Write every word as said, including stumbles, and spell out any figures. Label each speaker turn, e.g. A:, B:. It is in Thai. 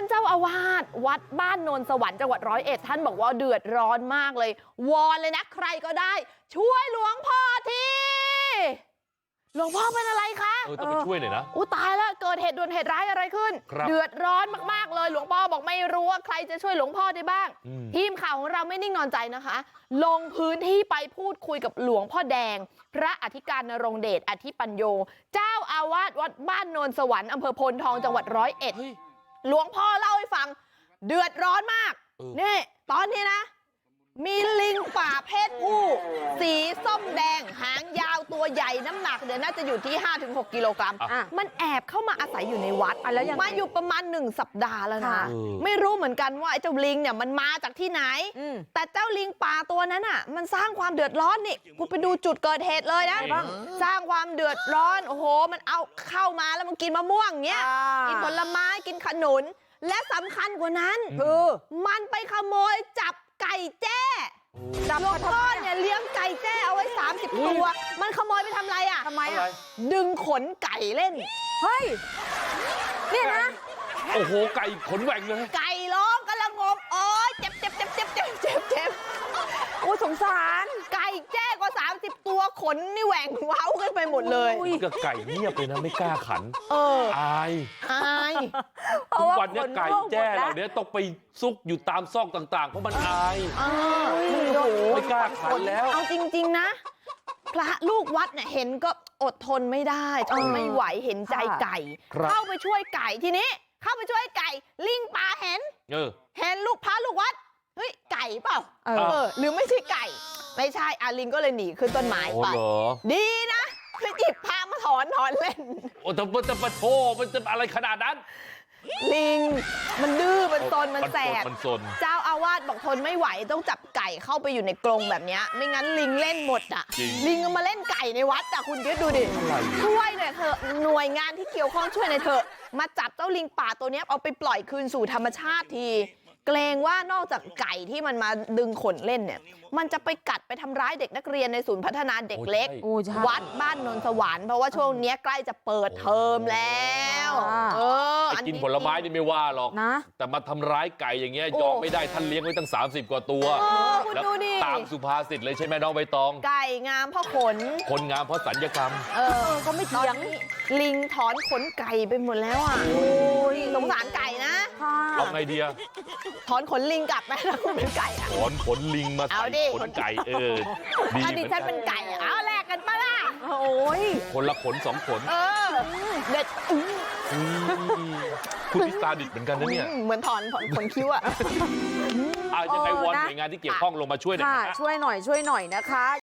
A: านเจ้าอาวาสวัดบ้านโนนสวรรค์จังหวัดร้อยเอ็ดท่านบอกว่าเดือดร้อนมากเลยวอนเลยนะใครก็ได้ช่วยหลวงพ่อทีหลวงพ่อเป็นอะไรคะ
B: เออต้องไปช่วยหน่อยนะ
A: อู้ตายแล้วเกิดเหตุด่วนเหตุร้ายอะไรขึ้นเดือดร้อนมากๆเลยหลวงพ่อบอกไม่รู้ว่าใครจะช่วยหลวงพ่อได้บ้างทีมข่าวของเราไม่นิ่งนอนใจนะคะลงพื้นที่ไปพูดคุยกับหลวงพ่อแดงพระอธิการนรงเดชอธิปัญโยเจ้าอาวาสวัดบ้านโนนสวรรค์อำเภอโพนทองจังหวัดร้อยเอ็ดหลวงพ่อเล่าให้ฟังเดือดร้อนมากนี่ตอนนี้นะมีลิงป่าเพศผู้สีส้มแดงหางยาวตัวใหญ่น้ำหนักเดี๋ยวน่าจะอยู่ที่ ห้าถึงหก กิโลกรัมมันแอบเข้ามาอาศัยอยู่ในวัดมาอยู่ประมาณหนึ่งสัปดาห์แล้วนะไม่รู้เหมือนกันว่าไอ้เจ้าลิงเนี่ยมันมาจากที่ไหนแต่เจ้าลิงป่าตัวนั้นอ่ะมันสร้างความเดือดร้อนนี่คุณไปดูจุดเกิดเหตุเลยนะสร้างความเดือดร้อนโอ้โหมันเอาเข้ามาแล้วมันกินมะม่วงเนี้ยกินผลไม้กินขนุนและสำคัญกว่านั้นคือมันไปขโมยจับไก่แจ้หลวงพ่อเนี่ยเลี้ยงไก่แจ้เอาไว้สามสิบตัวมันขโมยไปทำอะไรอ่ะทำไมอ่ะดึงขนไก่เล่นเฮ้ยนี่นะ
B: โอ้โหไก่ขนแหว่งเลย
A: ไก่ร้องกำลังงมโอ๊ยเจ็บเจ็บเจ็บเจ็บเจ็บเจ็บเจ็บโอ้สงสารไก่แจ้กว่าสามสิบตัวขนนี่แหว่งเว้ากันไปหมดเลย
B: ก็ไก่เงียบเลยนะไม่กล้าขัน
A: เออ
B: อาย
A: อาย
B: ทุกวันนี้ไก่แจ้เหล่านี้ต้องไปซุกอยู่ตามซอกต่างๆเพราะมันอายไม่กล้าขันแล้ว
A: เอาจริงๆนะพระลูกวัดเนี่ยเห็นก็อดทนไม่ได้ทนไม่ไหวเห็นใจไก่เข้าไปช่วยไก่ทีนี้เข้าไปช่วยไก่ลิงป่าเห็นเห็นลูกพระลูกวัดเฮ้ยไก่เปล่าเออหรือไม่ใช่ไก่ไม่ใช่อาลิงก็เลยหนีขึ้นต้นไม้ไปดีนะคือหยิบพามาถอนถอนเล่น
B: โอ้แต่มันจะมาโชมันจะอะไรขนาดนั้น
A: ลิงมันดื้อมันซนมันแสบ
B: มันซน
A: เจ้าอาวาสบอกทนไม่ไหวต้องจับไก่เข้าไปอยู่ในกรงแบบนี้ไม่งั้นลิงเล่นหมดอ่ะลิงมาเล่นไก่ในวัดอ่ะคุณคิดดูดิช่วยหน่อยเถอะหน่วยงานที่เกี่ยวข้องช่วยหน่อยเถอะมาจับเจ้าลิงป่าตัวนี้เอาไปปล่อยคืนสู่ธรรมชาติทีเกรงว่านอกจากไก่ที่มันมาดึงขนเล่นเนี่ยมันจะไปกัดไปทำร้ายเด็กนักเรียนในศูนย์พัฒนาเด็กเล็กวัดบ้านนนสวรรค์เพราะว่าช่วงนี้ใกล้จะเปิดเทอมแล้วเอ
B: อกินผลไม้นี่ไม่ว่าหรอกนะแต่มาทำร้ายไก่อย่างเงี้ยยอมไม่ได้ท่านเลี้ยงไว้ตั้งสามสิบกว่าตัวแล้วตามสุภาษิตเลยใช่ไหมน้องใบตอง
A: ไก่งามเพราะขน
B: คนงามเพราะสัญญกรรม
A: เออก็ไม่เถียงลิงถอนขนไก่ไปหมดแล้วอ่ะสงสารไก่นะ
B: เอาไงดีอะ
A: ถอนขนลิงกลับไหมถ้าคุณเป็นไก่อะ
B: ถอนขนลิงมาใส่ขนไก่เออ
A: ถ้าดิฉันเป็นไก่เอาแลกกันปะล่ะโอ้ย
B: คนละขนสองขน
A: เออเด็ด
B: คุณพิสตาดิดเหมือนกันนะเนี่ย
A: เหมือนถอนขนคิ้วอะ
B: ยังไงวอนหน่วยงานที่เกี่ยวข้องลงมาช่วยหน่อย
C: ช่วยหน่อยช่วยหน่อยนะคะ